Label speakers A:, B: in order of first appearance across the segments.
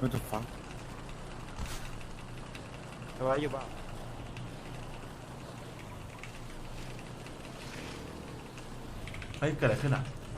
A: What the fuck
B: อะไรอยู่บ้าง
C: เฮ้ยเกิดอะไรขึ้นอ่ะ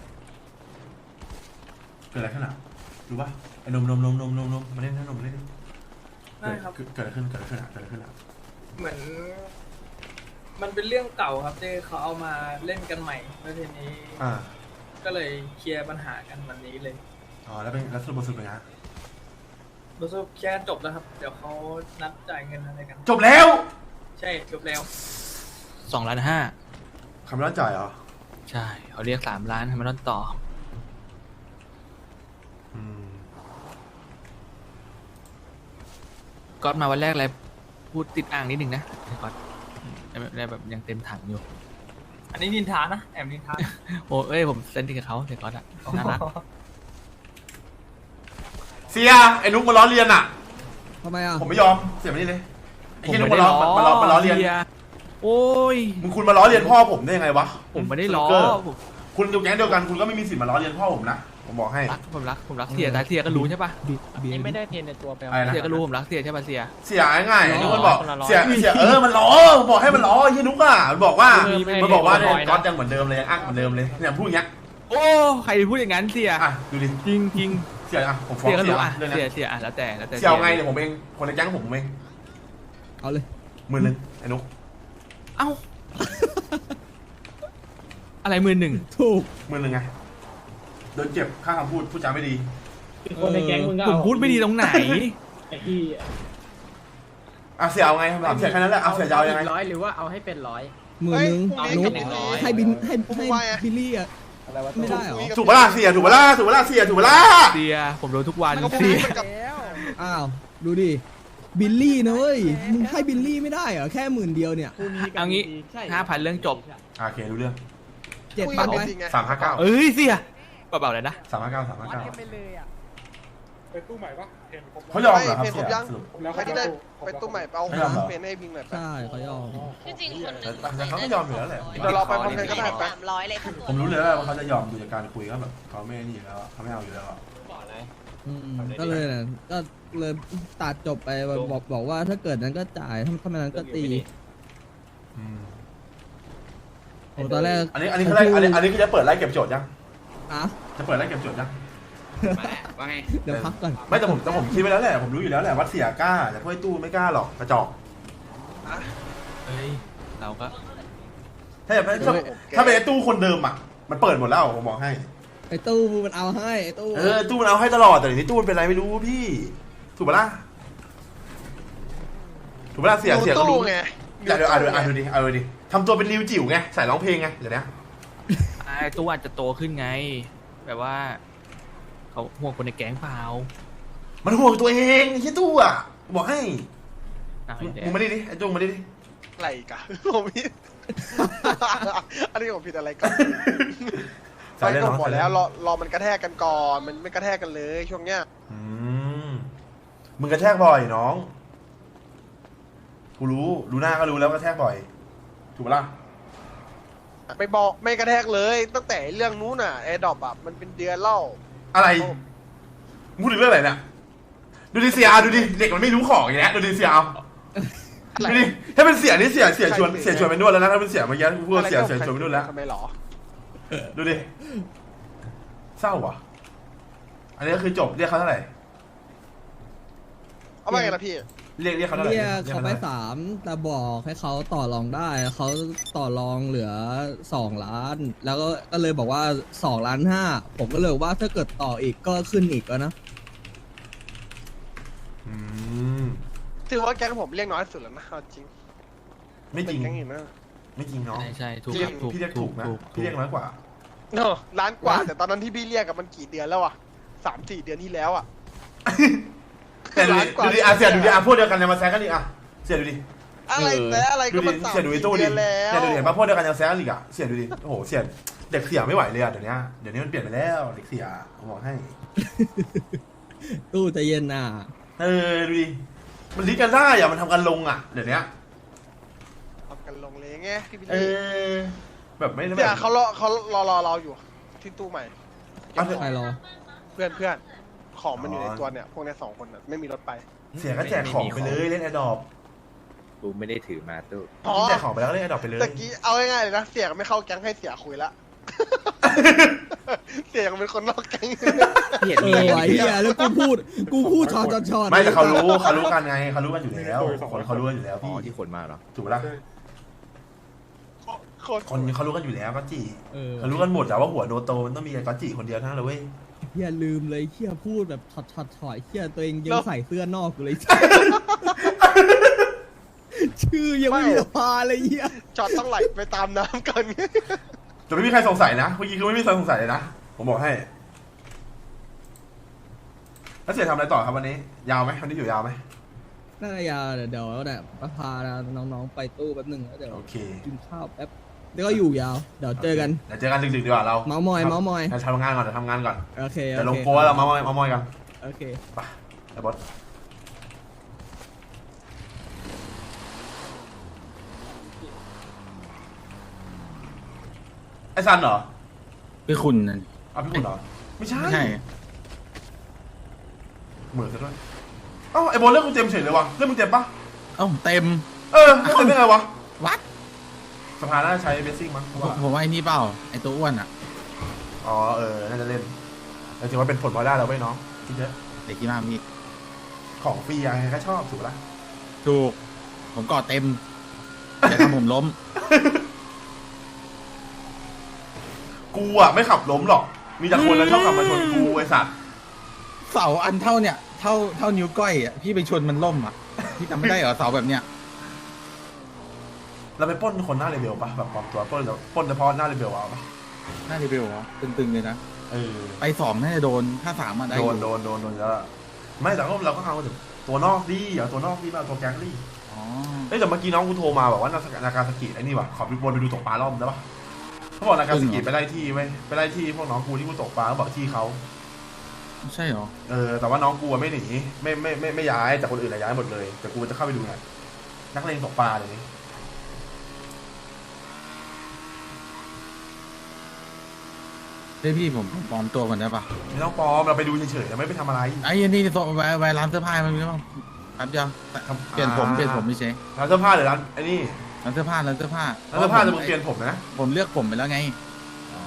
C: เกิดอะไรขึ้นอ่ะรู้ป่ะไอ้นมมาเล่นนะนมมาเล่น
D: ได้ครับ
C: เกิดอะไรขึ้นเกิดอะไรขึ้นอ่ะเกิดอะไรขึ้นอ่ะ
D: เหมือนมันเป็นเรื่องเก่าครับที่เขาเอามาเล่นกันใหม่แล้วทีนี้ ก็เลยเคลียร์ปัญหากันวันนี้เลย
C: อ๋อแล้วเป็นแล้วสรุปบทสรุปเป็นไง
D: รู้สึกเคลียร์จบแล้วครับ เดี๋ยวเขานัดจ่ายเงินอะไรกัน
C: จบแล้ว
D: ใช่จบแล้ว
E: 2,500,000
C: คำร้อนจ่ายเหรอ
E: ใช่เขาเรียก3 ล้านทำไมต้องต่อ
C: อืม
E: ก๊อตมาวันแรกอะไรพูดติดอ่างนิดหนึ่งนะก๊อตได้แบบยังเต็มถังอยู่
D: อันนี้นินทานะแอบนินทา
E: โอ้เอ้ยผมเซนติกับเขาเสียก๊อตอะน่ารัก
C: เสียไอ้นุ๊กมาล้อเลียนอ่ะ
F: ทำไมอ่ะ
C: ผมไม่ยอมเสียมานี่เลยไอ้ที่นุ๊กมาล้อเลียน
E: โอ้ย
C: มึงคุณมาล้อเลียนพ่อผมได้ยังไงวะ
E: ผมไม่ได้ล้อผม
C: คุณอยู่แก๊งเดียวกันคุณก็ไม่มีสิทธิ์มาล้อเลียนพ่อผมนะผมบอกให้
E: ผมรักเสียแต่เสียก็รู้ใช่ปะ
B: นี่ไม่ได้เทรนในตัวไป
C: อะไรนะ
E: เสียก็รู้ผมรักเสียใช่ปะเสีย
C: เสียง่ายๆนุ๊กมันบอก
B: คนละร้อย
C: เสียมันล้อผมบอกให้มันล้อไอ้ที่นุ๊กอ่ะมันบอกว่ามันบอกว่าเนี่ยก๊อตยังเหมือนเดิมเลยยังอักเหมือนเดิมเลยเนี่ยพูดอย่างเงี้ย
E: โอ้ใครพูดอย่างนั้นเสีย
C: อ่ะดูดิ
E: จริงจริง
C: เสียอ่ะผมฟ้อง
E: เสียก็
C: เสีย
E: รู้อ่ะ
C: เรื่อง
E: เสีย
C: นี้
E: เสียอ่ะแล้วแต่
C: เสียเอาไงเนี่ยผมเองคนในแก๊งผมเอง
F: เอาเลย
C: 10,000ไอ้นุ๊ก
E: เอ้าอะไร11,000
F: ถูก
C: 10,000ไงโดนเจ็บค่าคำพูดพูดจาไม่ดี
B: คนในแก๊งมึงก็
E: ผมพูดไม่ดีตรงไหน
B: ไอ้ที่
C: อ่ะเสียเอาไงถามเสียแค่นั้นแหละเอาเสียจะเอายังไง
B: ร้อยหรือว่าเอาให้เป็นร้อย
F: มือนึง
B: เฮ้ย
F: นุ๊ก
B: พรุ่งนี้
F: ให้บินให้บิลลี่อ่ะไม่ได้เหรอ
C: ถูกปะล่ะเสียถูกปะล่ะถูกปะล่ะเสียถูกปะล่ะ
E: เสียผมโดนทุกวันเสีย
F: อ้าวดูดิบิลลี่นะเว้ยมึงให้บิลลี่ไม่ได้เหรอแค่10,000เนี่ย
E: เอางี้5,000เรื่องจบ
C: โอเครู้เรื่อง
F: 7,000ไป
C: 359
E: เอ้ยเสียเบาๆเลยนะ
C: 359
G: ไปตู้ใหม่ปะเห็นผม
C: เขายอมเหรอครับเสียสรุป
G: แล้ว
H: ใครที่ได้ไปตู้ใหม่เอา
C: ไม่ยอมเหรอ
H: เปลี่ยนให้พิงหน่อยไป
F: ใช่เขายอม
I: ที่จริงคนหนึ่ง
C: แต่เขาก็ยอมอยู่แล้วแหละ
H: เดี๋ยวเราไปพร้อมกันก็ได้ไป
I: 300เลยค่ะ
C: ผมรู้เลยว่าเขาจะยอมดูจากการคุยก็แบบเขาไม่นี่อยู่แล้วเขาไม่เอาอยู่แล้ว
F: ก็เลยนะก็เลยตัดจบไปบอกว่าถ้าเกิดนั้นก็จ่ายถ้าไม่นั้นก็ตีโอ้ตอนแรก
C: อันนี้เขาได้อันนี้คือจะเปิดไล่เก็บโจทย์ยัง
F: อ่ะ
C: จะเปิดไล่เก็บโจทย์ยัง
E: ว่าไง
F: เดี๋ยวพักก่อน
C: ไม่แต่ผมคิดไว้แล้วแหละผมรู้อยู่แล้วแหละว่าเสียกล้าแต่พวกไอ้ตู้ไม่กล้าหรอกกระจอก
E: เฮ้ยเราก็
C: ถ้าแบบถ้าเป็นไอ้ตู้คนเดิมอ่ะมันเปิดหมดแล้วผมบอกให้
F: ไอ้ตู้มันเอาให้ไอ้ตู้
C: ตู้มันเอาให้ตลอดแต่เดี๋ยวนี้ตู้มันเป็นไรไม่รู้พี่ถูกปะล่ะถูกปะล่ะเสียก็รู้
H: ไง
C: อย่าดูดิทำตัวเป็นริวจิ๋วไงใส่ร้องเพลงไงเดี๋ยวนี้
E: ไอ้ตู้อาจจะโตขึ้นไง แบบว่าเขาห่วงคนในแก๊งเปล่า
C: มันห่วงตัวเองไอ้ตู้อ่ะบอกให้
E: อ้าว
C: มึงมาดิไอ้จุงมาดิ
H: ไหลกะผมผิดอันนี้ผมผิดอะไรกันไปก็หมดแล้วรอมันกระแทกกันก่อนมันไม่กระแทกกันเลยช่วงเนี้ย
C: มึงกระแทกบ่อยน้องกูรู้หน้าก็รู้แล้วกระแทกบ่อยถูกปะล่ะ
H: ไม่บอกไม่กระแทกเลยตั้งแต่เรื่องนู้นน่ะแอร์ดรอปอ่ะมันเป็นเดือนเล่า
C: อะไรพูดถึงเรื่องอะไรเนี่ยดูดิเสียดูดิเด็กมันไม่รู้ของอย่างเงี้ยดูดิเสียเอาดูดิถ้าเป็นเสียนี่เสียชวนไปนวดแล้วนะถ้าเป็นเสียเมื่อกี้พูดเสียชวนไปนวดแล้ว
H: ทำไมหรอ
C: ดูดิเศร้าว่ะอันนี้ก็คือจบเรียกเขาเท่าไหร่
H: เอามาไงล่ะพี่
C: เรียกเขาเท่าไหร่
F: เรียกเขาไป3แต่บอกให้เขาต่อรองได้เขาต่อรองเหลือ2 ล้าน แล้วก็เลยบอกว่า2.5 ล้านผมก็เลยว่าถ้าเกิดต่ออีกก็ขึ้นอีกแล้วนะ
H: ถือว่าแก๊งผมเรียกน้อยสุดแล้วนะเอาจริง
C: ไม่จริง
H: เป็นแก๊งอื่นนะ
C: ไม่จริงน้อง
E: ใช่ถูก
C: พี่เรียกถูกนะพี่เรียกน้อยกว่า
H: เนอะล้านกว่าแต่ตอนนั้นที่พี่เรียกกับมันกี่เดือนแล้วอ่ะ3-4 เดือนที่แล้วอ่ะ
C: แต่ดูดิเสียดูดิพวกเดียวกันยังมาแซงกันอีกเสียดูดิ
H: อะไรแต่อะไร
C: ดู
H: ก็
C: ดิ
H: มัน
C: เสียดูดิตู้
H: 3-4
C: ดิ
H: เดือนแล้ว
C: เสียดูดิเห็นป่ะพวกเดียวกันยังแซงกันอีกเสียดูดิโอ้โหเสียเด็กเสียไม่ไหวเลยเดี๋ยวนี้มันเปลี่ยนไปแล้วเด็กเสียผมบอกให้
F: ตู้ใจเย็นน่ะ
C: ดูดิมันลิดกันได้มันทำกันลงเดี๋ยวนี้
H: ทำกันลงเลยไงพี่บิล
C: เอ
H: ลี่
C: อแบบไม่
H: เนี่ยเขารอเราอยู่ที่ตู้ใหม่
F: ใครรอ
H: เพื่อนของมันอยู่ในตัวเนี่ยพวกเนี้ย2 คนน่ะไม่มีรถไป
C: เสียก็แจกของไปเลยเล่นแอดดอป
A: กูไม่ได้ถือมาตู้
H: อ๋อ
C: แจกของไปแล้วเล่นแอดดอปไปเลย
H: ตะกี้เอาง่ายๆเลยนะเสียก็ไม่เข้าแก๊งให้เสียคุยละ เสียก็เป็นคนนอกแก๊ง
A: พี่เห็นมี
F: ไอ้เหี้ยแล้วกูพูดชอด
C: ไม่แต่เขารู้กันไงเขารู้กันอยู่แล้วคนเขารู้กันอยู่แล้ว
A: อ๋
C: พี่
A: อที่คนมาเหรอ
C: ถูกปะล่ะ คนเขารู้กันอยู่แล้วก็จี
F: เออ
C: เขารู้กันหมดแต่ว่าหัวโนโตมันต้องมีก็จีคนเดียวเท่านั้นเลยเว้ย
F: เหี้ยลืมเลยเหี้ยพูดแบบช็อตเหี้ยตัวเองยังใส่เสื้อนอกอยู่เลย ชื่อยังไม่มีสภาเลยเหี้ย
H: จอดต้องไหลไปตามน้ำกัน
C: แต่ไม่มีใครสงสัยนะเมื่อกี้คือไม่มีใครสงสัยเลยนะผมบอกให้แล้วเสียทำอะไรต่อครับวันนี้ ยาวไหมวันนี้อยู่ยาวไหม
F: น่าจะยาวเดี๋ยวเนี่ยพาน้องๆไปตู้แป๊บหนึงแล้วเดี๋ยว
C: โอเค
F: กินข้าวแป๊บแล้วก็อยู่ยาวเดี๋ยวเจอกัน
C: เดี๋ยวเจอกันดึกๆดีกว่าเรา
F: เมาส์มอย
C: เราทำงานก่อนเดี๋ยวทำงานก่อน
F: โอเค
C: เดี๋ยวลงโพสเราเมาส์มอยกัน
F: โอเค
C: ไปไอ้บอสไอ้ซันเหรอ
E: พี่คุณนั่น
C: อ้าวพี่คุณเหรอไม่ใช่
E: ไม่ใช่
C: เหมือนซะด้วยเอ้าไอ้บอลเรื่องมึงเต็มเฉยเลยวะเรื่องมึงเต็มปะ
E: เอ้าเต็ม
C: เออเรื่องเต็มได้ไงวะ
E: วัด
C: สภาน่าจะใช้เบสซิ่งมั้งเพราะว่า
E: ผมว่าไอ้นี่เปล่าไอ้ตัวอ้วนอ่ะ
C: อ๋อน่าจะเล่นแต่ถือว่าเป็นผลพลอยได้แล้วเว้ยน้องคิดเยอะ
E: เด็กที่มามี
C: ของฟรียังไงก็ชอบถูกปะล่ะ
E: ถูก ผมกอดเต็มแต่ทำผมล้ม
C: กูอ่ะไม่ขับล้มหรอก มีแต่คนแล้วชอบขับมาชนกูไอ้สัตว์
E: เสาอันเท่าเนี่ยเท่านิ้วก้อยอ่ะพี่ไปชนมันล่มอ่ะพี่จำไม่ได้เหรอเสาแบบเนี้ย
C: เราไปปล้นคนหน้าเรเบลปะแบบปลอมตัวปล้นแล้วปล้นเฉพาะหน้าเรเบลเอาปะ
E: น่าจะเบลเหรอตึงๆเลยนะ
C: เออ
E: ไป2น่าจะโดนถ้า3มาได้
C: โด
E: อน ยู่
C: โดนแล้วล่ะไม่แต่เราก็เอาถึงตัวนอกดิเอาตัวนอกดิมาเอาตัวแก๊งดิ
E: อ๋อ
C: เอ้ยแต่เมื่อกี้น้องกูโทรมาบอกว่านาการสกิไอ้นี่วะขอไปวนไปดูตกปลารอบได้ปะเขาบอกนาการสกิไปไล่ที่ไว้ไปไล่ที่พวกน้องกูที่กูตกปลาเขาบอกที่เขา
E: ใช่เหรอ
C: แต่ว่าน้องกูไม่หนีไม่ย้ายแต่คนอื่นย้ายหมดเลยแต่กูจะเข้าไปดูไงนักเลงตกปลาเลยนี่
E: เฮ้ยพี่ผมปลอมตัวก่อนได้ปะ
C: ไม่ต้องปลอมเราไปดูเฉยๆเราไม่ไปทำอะไร
E: ไอ้นี่ไว้ร้านเสื้อผ้ามันมีบ้างแป๊บเดียวเปลี่ยนผมไม่ใช่
C: ร้านเสื้อผ้าหรือร้านไอ้นี่
E: ร้านเสื้อผ้า
C: ร้านเสื้อผ้าจะมึงเปลี่ยนผมนะ
E: ผมเลือกผมไปแล้วไง
C: อ๋อ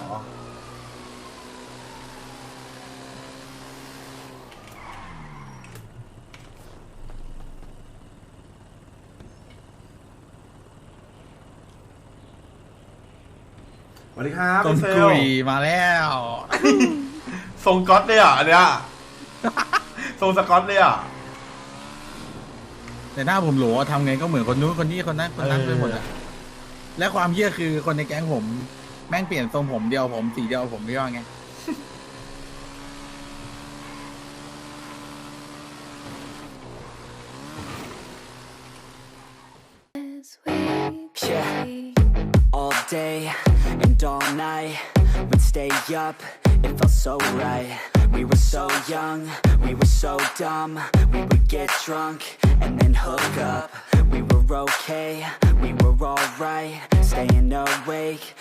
C: สวัสดีครับ
E: ต้น
C: เซ
E: กุ
C: ล
E: ยมาแล้ว
C: ทรงก๊อตเลยอ่ะอันเนี้ยทรงสก๊อตเลยอ่ะ
E: แต่หน้าผมโหลทำไงก็เหมือนคนนู้นคนนี้คนนั้นไปหมดอะและความเหี้ยคือคนในแก๊งผมแม่งเปลี่ยนทรงผมเดียวผมสีเดียวผมไม่ว่าไง
I: Yeah, all day and all night, we'd stay up, it felt so right. We were so young, we were so dumb, we would get drunk and then hook up. We were okay, we were alright, staying awake